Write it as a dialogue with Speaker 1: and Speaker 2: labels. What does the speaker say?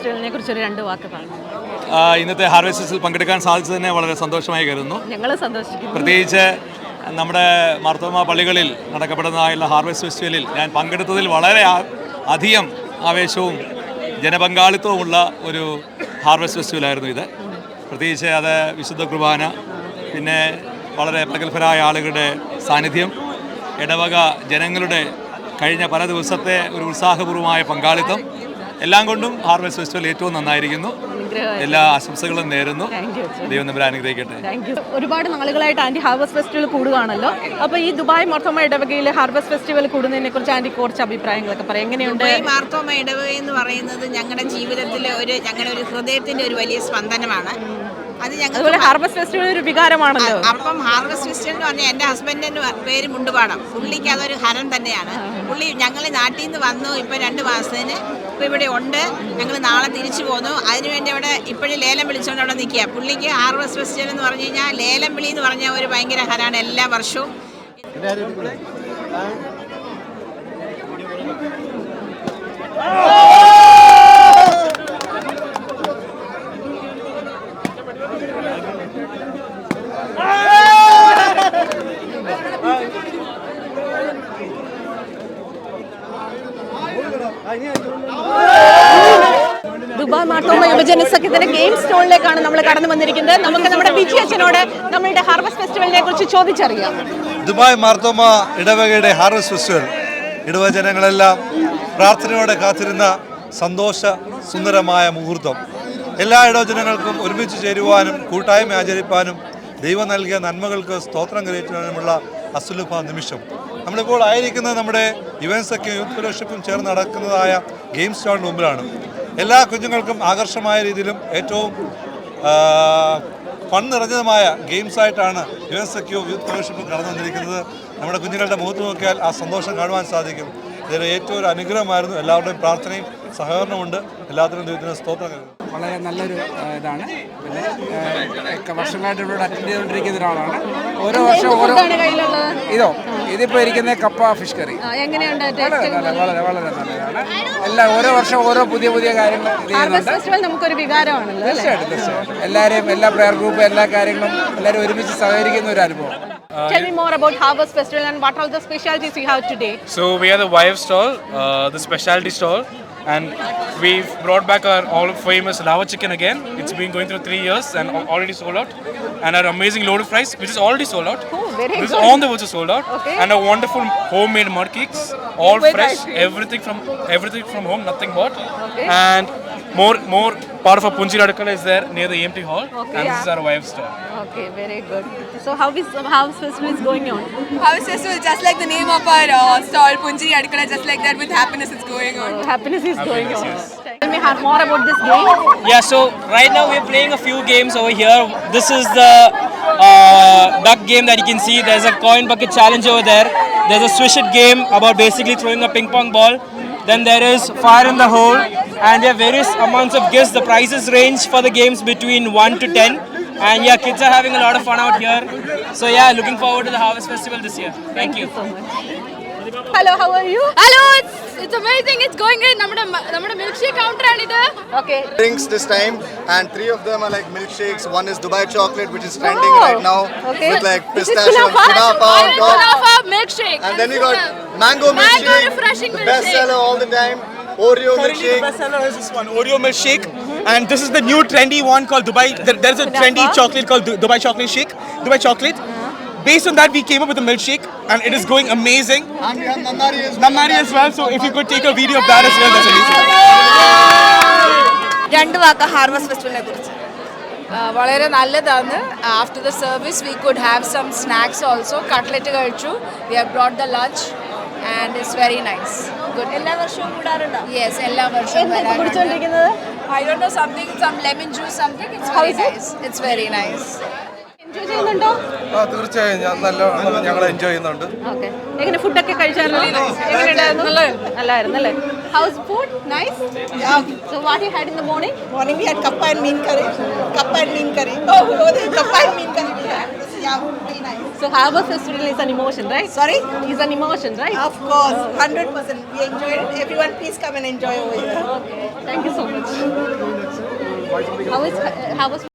Speaker 1: ഫെസ്റ്റിവലിനെ കുറിച്ച് ഒരു 2 വാക്ക് പറഞ്ഞു.
Speaker 2: ഇന്നത്തെ ഹാർവെസ്റ്റ് ഫെസ്റ്റിവൽ പങ്കെടുക്കാൻ സാധിച്ചതിനെ വളരെ സന്തോഷമായി കരുതുന്നു.
Speaker 1: ഞങ്ങൾ സന്തോഷിക്കുന്നു.
Speaker 2: പ്രത്യേകിച്ച് നമ്മുടെ മാർത്തോമ പള്ളികളിൽ നടക്കപ്പെടുന്നതായുള്ള ഹാർവെസ്റ്റ് ഫെസ്റ്റിവലിൽ ഞാൻ പങ്കെടുത്തതിൽ വളരെ അധികം ആവേശവും ജനപങ്കാളിത്തവുമുള്ള ഒരു ഹാർവെസ്റ്റ് ഫെസ്റ്റിവലായിരുന്നു ഇത്. പ്രത്യേകിച്ച് അത് വിശുദ്ധ കുർബാന, പിന്നെ വളരെ പ്രഗത്ഭരായ ആളുകളുടെ സാന്നിധ്യം, ഇടവക ജനങ്ങളുടെ കഴിഞ്ഞ പല ദിവസത്തെ ഒരു ഉത്സാഹപൂർവമായ പങ്കാളിത്തം എല്ലാം കൊണ്ടും ഹാർവെസ്റ്റ് ഫെസ്റ്റിവൽ ഏറ്റവും നന്നായിരിക്കുന്നു. എല്ലാ ആശംസകളും നേരുന്നു. ദൈവം നമ്മളെ അനുഗ്രഹിക്കട്ടെ.
Speaker 1: ഒരുപാട് നാളുകളായിട്ട് ആൻറ്റി ഹാർവെസ്റ്റ് ഫെസ്റ്റിവൽ കൂടുകയാണല്ലോ. അപ്പോൾ ഈ ദുബായ് മാർത്തോമ ഇടവകയിൽ ഹാർവെസ്റ്റ് ഫെസ്റ്റിവൽ കൂടുന്നതിനെ കുറിച്ച് ആൻറ്റി കുറച്ച് അഭിപ്രായങ്ങളൊക്കെ പറയാം. എങ്ങനെയുണ്ട്?
Speaker 3: ദുബായ് മാർത്തോമ ഇടവക എന്ന് പറയുന്നത് ഞങ്ങളുടെ ജീവിതത്തിലെ ഞങ്ങളുടെ ഒരു ഹൃദയത്തിൻ്റെ ഒരു വലിയ സ്പന്ദനമാണ്. അത്
Speaker 1: അതുപോലെ ഹാർവെസ്റ്റ് ഫെസ്റ്റിവൽ ഒരു വികാരമാണല്ലോ.
Speaker 3: അപ്പം ഹാർവെസ്റ്റ് ഫെസ്റ്റിവൽ എന്ന് പറഞ്ഞാൽ എൻ്റെ ഹസ്ബൻഡിൻ്റെ പേര് മുണ്ടുപാടം. പുള്ളിക്ക് അതൊരു ഹരം തന്നെയാണ്. പുള്ളി ഞങ്ങൾ നാട്ടിൽ നിന്ന് വന്നു ഇപ്പോൾ 2 മാസത്തിന്. ഇപ്പോൾ ഇവിടെ ഉണ്ട്. ഞങ്ങൾ നാളെ തിരിച്ചു പോന്നു. അതിനുവേണ്ടി അവിടെ ഇപ്പോഴും ലേലം വിളിച്ചുകൊണ്ട് അവിടെ നിൽക്കുക. പുള്ളിക്ക് ഹാർവെസ്റ്റ് ഫെസ്റ്റിവൽ എന്ന് പറഞ്ഞു കഴിഞ്ഞാൽ ലേലം വിളി എന്ന് പറഞ്ഞാൽ ഒരു ഭയങ്കര ഹരമാണ് എല്ലാ വർഷവും.
Speaker 1: ദുബായ് മാർത്തോമ യുവജന സഖ്യത്തിന്റെ ഗെയിം സ്റ്റോളിലേക്കാണ് നമ്മൾ കടന്നു വന്നിരിക്കുന്നത്. നമുക്ക് നമ്മുടെ ബിജി അച്ഛനോട് നമ്മളുടെ ഹാർവെസ്റ്റ് ഫെസ്റ്റിവലിനെ കുറിച്ച് ചോദിച്ചറിയാം.
Speaker 4: ദുബായ് മാർത്തോമ ഇടവകയുടെ ഹാർവെസ്റ്റ് ഫെസ്റ്റിവൽ ഇടവജനങ്ങളെല്ലാം പ്രാർത്ഥനയോടെ കാത്തിരുന്ന സന്തോഷ സുന്ദരമായ മുഹൂർത്തം. എല്ലാ ഇടവജനങ്ങൾക്കും ഒരുമിച്ച് ചേരുവാനും കൂട്ടായ്മ ആചരിപ്പാനും ദൈവം നൽകിയ നന്മകൾക്ക് സ്തോത്രം കരയറ്റുവാനുമുള്ള അസുലഭ നിമിഷം. നമ്മളിപ്പോൾ ആയിരിക്കുന്നത് നമ്മുടെ യുവൻസൊക്കെയും യൂത്ത് ഫെലോഷിപ്പും ചേർന്ന് നടക്കുന്നതായ ഗെയിം സ്റ്റോളിന് മുമ്പിലാണ്. എല്ലാ കുഞ്ഞുങ്ങൾക്കും ആകർഷമായ രീതിയിലും ഏറ്റവും ഫൺ നിറഞ്ഞതുമായ ഗെയിംസായിട്ടാണ് യുവൻസൊക്കെയും യൂത്ത് ഫെലോഷിപ്പും കടന്നു വന്നിരിക്കുന്നത്. നമ്മുടെ കുഞ്ഞുങ്ങളുടെ മുഖത്ത് നോക്കിയാൽ ആ സന്തോഷം കാണുവാൻ സാധിക്കും. ഇതിൽ ഏറ്റവും ഒരു അനുഗ്രഹമായിരുന്നു. എല്ലാവരുടെയും പ്രാർത്ഥനയും സഹകരണമുണ്ട്. എല്ലാത്തിനും ദൈവത്തിന് സ്തോത്രം.
Speaker 5: വളരെ നല്ലൊരു ഇതാണ്. പിന്നെ വർഷങ്ങളായിട്ട് ഇവിടെ അറ്റൻഡ് ചെയ്തുകൊണ്ടിരിക്കുന്ന ഒരാളാണ്. ഓരോ വർഷവും ഇതിപ്പോൾ ഇരിക്കുന്ന കപ്പ ഫിഷ് കറി വളരെ നല്ലതാണ്. എല്ലാം ഓരോ വർഷം ഓരോ പുതിയ പുതിയ കാര്യങ്ങൾ
Speaker 1: നമുക്കൊരു വികാരമാണല്ലോ.
Speaker 5: തീർച്ചയായിട്ടും എല്ലാവരെയും എല്ലാ പ്രെയർ ഗ്രൂപ്പ് എല്ലാ കാര്യങ്ങളും എല്ലാവരും ഒരുമിച്ച് സഹകരിക്കുന്ന ഒരു അനുഭവം.
Speaker 1: Tell me more about Harvest Festival and what are the specialties we have today?
Speaker 6: So we are the wife stall, the specialty stall, and we've brought back our all famous lava chicken again. It's been going through 3 years and already sold out. And our amazing loaded fries, which is already sold out.
Speaker 1: Oh, very
Speaker 6: this
Speaker 1: good.
Speaker 6: is on the verge sold out.
Speaker 1: Okay.
Speaker 6: And our wonderful homemade mud cakes, all fresh, everything from home, nothing bought.
Speaker 1: Okay.
Speaker 6: And more part of our Punji Radikala is there near the EMT hall.
Speaker 1: Okay,
Speaker 6: and this is our wife stall.
Speaker 1: Okay, very good. So how is Harvest Festival is going on?
Speaker 7: Harvest Festival, just like the name of our stall, Punji Radikala, just like that, with happiness is going on.
Speaker 1: Happiness is going on.
Speaker 6: Yes.
Speaker 1: Tell me more about this game.
Speaker 8: Yeah, so right now we're playing a few games over here. This is the duck game that you can see. There's a coin bucket challenge over there. There's a swish it game about basically throwing a ping pong ball. Then there is fire in the hole, and there are various amounts of gifts. The prizes range for the games between 1 to 10. And yeah, kids are having a lot of fun out here. So yeah, looking forward to the Harvest Festival this year. Thank you
Speaker 1: so much. Hello, how are you?
Speaker 7: Hello, it's amazing. It's going in. നമ്മുടെ milkshake counter ആണിത്.
Speaker 1: Okay.
Speaker 9: Drinks this time, and 3 of them are like milkshakes. One is Dubai chocolate, which is trending right now,
Speaker 1: okay,
Speaker 9: with like pistachio and kunafa on top.
Speaker 7: Kunafa milkshake.
Speaker 9: And then we got mango milkshake,
Speaker 7: refreshing
Speaker 9: the
Speaker 7: milkshake.
Speaker 9: bestseller all the time. Oreo milkshake.
Speaker 10: The bestseller is this one, Oreo milkshake, and this is the new trendy one called Dubai. There's a trendy chocolate called Dubai chocolate shake, Dubai chocolate. Based on that, we came up with a milkshake, and it is going amazing.
Speaker 9: And we have
Speaker 10: Namari as well. So if you could take a video of that as well, that's amazing.
Speaker 7: 2 വാക്ക് harvest ഫെസ്റ്റിവലിനെ കുറിച്ച്. വളരെ നല്ലതാണ്. After the service we could have some snacks also. Cutlet കഴിച്ചു. We have brought the lunch and it's very nice. Good.
Speaker 1: എല്ലാ വർഷവും കൂടാറുണ്ടോ?
Speaker 7: Yes, എല്ലാ വർഷവും
Speaker 1: കുടിച്ചുകൊണ്ടിരിക്കുന്നത്.
Speaker 7: I don't know, some lemon juice, something. It's very nice. It's very nice.
Speaker 1: Enjoy ചെയ്യുന്നുണ്ടോ?
Speaker 4: തീർച്ചയായും ഞങ്ങൾ enjoy ചെയ്യുന്നുണ്ട്.
Speaker 1: ഓക്കെ. എങ്ങനെ ഫുഡൊക്കെ കഴിച്ചായിരുന്നോ? എങ്ങനെയുണ്ടായിരുന്നു? നല്ലായിരുന്നു അല്ലേ? How's food? Nice? Yeah. So what you had in the morning?
Speaker 3: Morning we had kappa and mean curry. Kappa and mean curry. Oh, kappa and mean curry. Yeah, very nice.
Speaker 1: So Harvest Festival is an emotion, right?
Speaker 3: Sorry?
Speaker 1: It's an emotion, right?
Speaker 3: Of course, 100%. We enjoyed it. Everyone, please come and enjoy over here.
Speaker 1: Okay. Thank you so much. How was